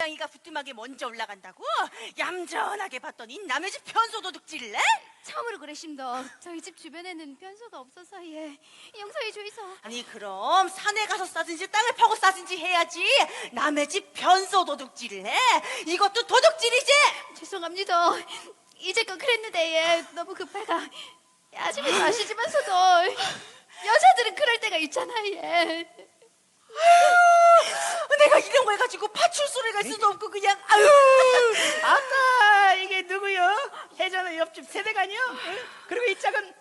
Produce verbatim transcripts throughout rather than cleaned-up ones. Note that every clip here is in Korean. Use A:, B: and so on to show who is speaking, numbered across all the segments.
A: 고양이가 부뚜막에 먼저 올라간다고? 얌전하게 봤더니 남의 집 변소 도둑질래?
B: 처음으로 그래심도 저희 집 주변에는 변소가 없어서 예 용서해 주이소.
A: 아니 그럼 산에 가서 싸든지 땅을 파고 싸든지 해야지 남의 집 변소 도둑질을 해? 이것도 도둑질이지?
B: 죄송합니다. 이제껏 그랬는데 예 너무 급해가. 예, 아줌마도 아시지만서도 여자들은 그럴 때가 있잖아 예.
A: 아유, 내가 이런 걸 가지고 파출소를 갈 수도 없고 그냥 아유.
C: 아따 이게 누구요? 해전의 옆집 세대가니요? 응? 그리고 이 짝은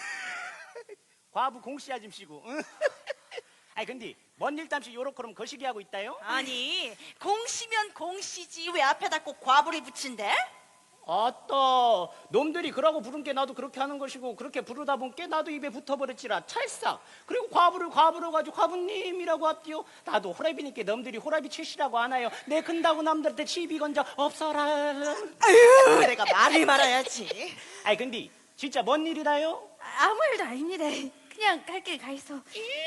C: 과부 공씨 아줌씨고. 응? 아니 근데 뭔 일담시 요렇게럼 거시기 하고 있다요?
A: 아니 공시면 공시지 왜 앞에다 꼭 과부를 붙인대?
C: 아따 놈들이 그러고 부른 게 나도 그렇게 하는 것이고 그렇게 부르다 보니까 나도 입에 붙어버렸지라 찰싹. 그리고 과부를 과부로 가지고 과부님이라고 합디요. 나도 호랍이니까 놈들이 호랍이 출시라고 하나요. 내 근다고 남들한테 시비 건져 없어라.
A: 아유 내가 말을 말아야지.
C: 아니 근데 진짜 뭔 일이라요?
B: 아무 일도 아닙니다. 그냥 갈 길 가 있어.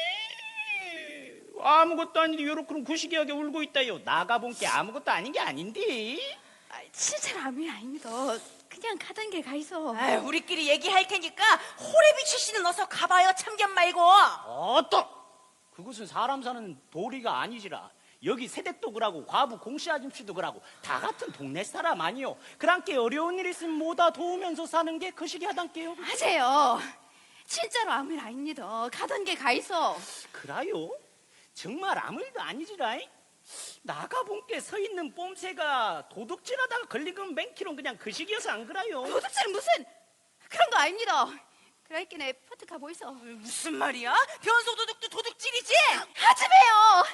C: 아무것도 아닌데 요렇게 구시기하게 울고 있다요. 나가본 게 아무것도 아닌 게 아닌데.
B: 아, 진짜로 아무 일 아닙니다. 그냥 가던 길 가 있어.
A: 아유, 우리끼리 얘기할 테니까 호래비 출신은 어서 가봐요. 참견 말고.
C: 어떠? 그것은 사람 사는 도리가 아니지라. 여기 세댁도 그러고 과부 공씨 아줌씨도 그러고 다 같은 동네 사람 아니요. 그랑께 어려운 일 있으면 뭐다 도우면서 사는 게 그 시기 하단께요.
B: 맞아요. 진짜로 아무 일 아닙니다. 가던 길 가 있어.
C: 그라요? 정말 아무 일도 아니지라. 나가본 게 서 있는 뽐새가 도둑질하다가 걸린 건 맹키론 그냥 그 시기여서 안 그라요.
B: 도둑질은 무슨 그런 거 아닙니다. 그러니까 내 포트 가고 있어.
A: 무슨 말이야? 변소 도둑도 도둑질이지?
B: 하지 마요.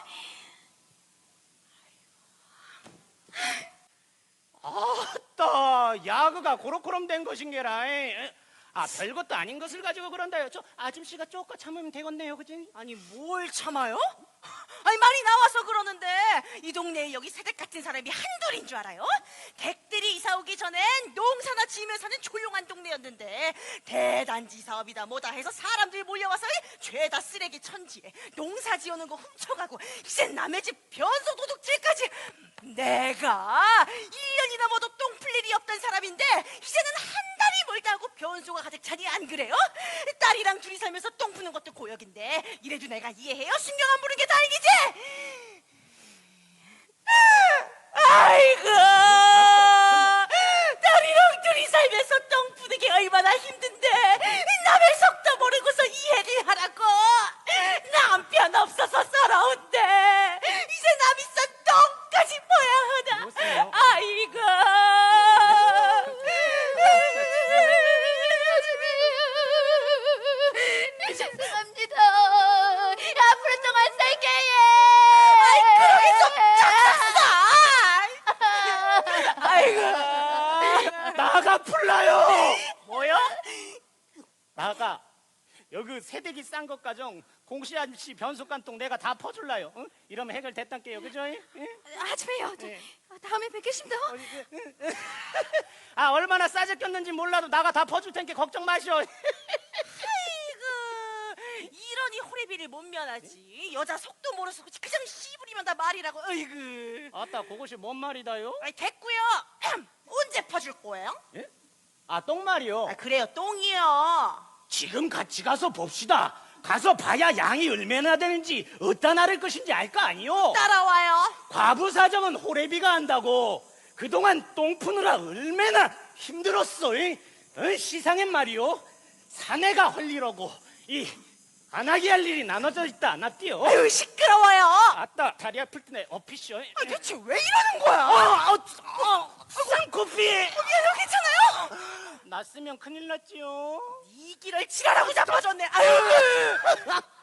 C: 아따 야그가 고로코럼 된 것인게라. 아 별것도 아닌 것을 가지고 그런다요. 저 아줌씨가 쪼까 참으면 되겠네요. 그지?
A: 아니 뭘 참아요? 아니 말이 나와서 그러는데 이 동네에 여기 세댁 같은 사람이 한둘인 줄 알아요? 댁들이 이사 오기 전엔 농사나 지으며 사는 조용한 동네였는데 대단지 사업이다 뭐다 해서 사람들이 몰려와서 죄다 쓰레기 천지에 농사 지어놓은 거 훔쳐가고 이젠 남의 집 변소 도둑질까지. 내가 일 년이나 모두 똥 풀 일이 없던 사람인데 이제는 한 달이 멀다 하고 변소가 가득 차니 안 그래요? 딸이랑 둘이 살면서 똥 푸는 것도 고역인데 이래도 내가 이해해요? 신경 안 부는 게 다행이지? 아이고 딸이랑 둘이 살면서 똥 푸는 게 얼마나 힘든데 남의 속도 모르고서 이해를 하라고. 남편 없어서 서러운데 이제 남이 싼 똥까지 뭐야 하나.
C: 여보세요?
A: 아이고
B: 죄송합니다. 앞으로 좀 안 살게요.
A: 아이 그러게 좀 작았어. 아이고
C: 나가 풀라요. 뭐요? 나가 여기 세대기 싼 것 가정 공씨 아저씨 변속간통 내가 다 퍼줄라요. 응? 이러면 해결됐단께요. 그죠? 응?
B: 하지 마요. 저,
C: 네.
B: 다음에 뵙겠습니다.
C: 아 얼마나 싸졌겠는지 몰라도 나가 다 퍼줄 테니까 걱정 마시오.
A: 아이고 이러니 호래비를 못 면하지. 여자 속도 모르서 그냥 씨부리면 다 말이라고. 아이고
C: 아따 그것이 뭔 말이다요?
A: 아이 됐고요. 언제 퍼줄 거예요?
C: 예? 아 똥말이요.
A: 아 그래요 똥이요.
C: 지금 같이 가서 봅시다. 가서 봐야 양이 얼마나 되는지 어디다 나를 것인지 알 거 아니요.
A: 따라와요.
C: 과부 사정은 호래비가 한다고. 그동안 똥 푸느라 얼마나 힘들었어. 이? 어, 시상엔 말이요. 사내가 할 일하고 이 안하게 할 일이 나눠져 있다 놨디요.
A: 아유 시끄러워요.
C: 아따 다리 아플 때네 어피쇼.
A: 아, 대체 왜 이러는 거야?
C: 아, 아, 아, 쌍코피.
A: 얘는 괜찮아요?
C: 났으면 큰일 났지요.
A: 이 길을 지랄하고 잡아줬네. 아유.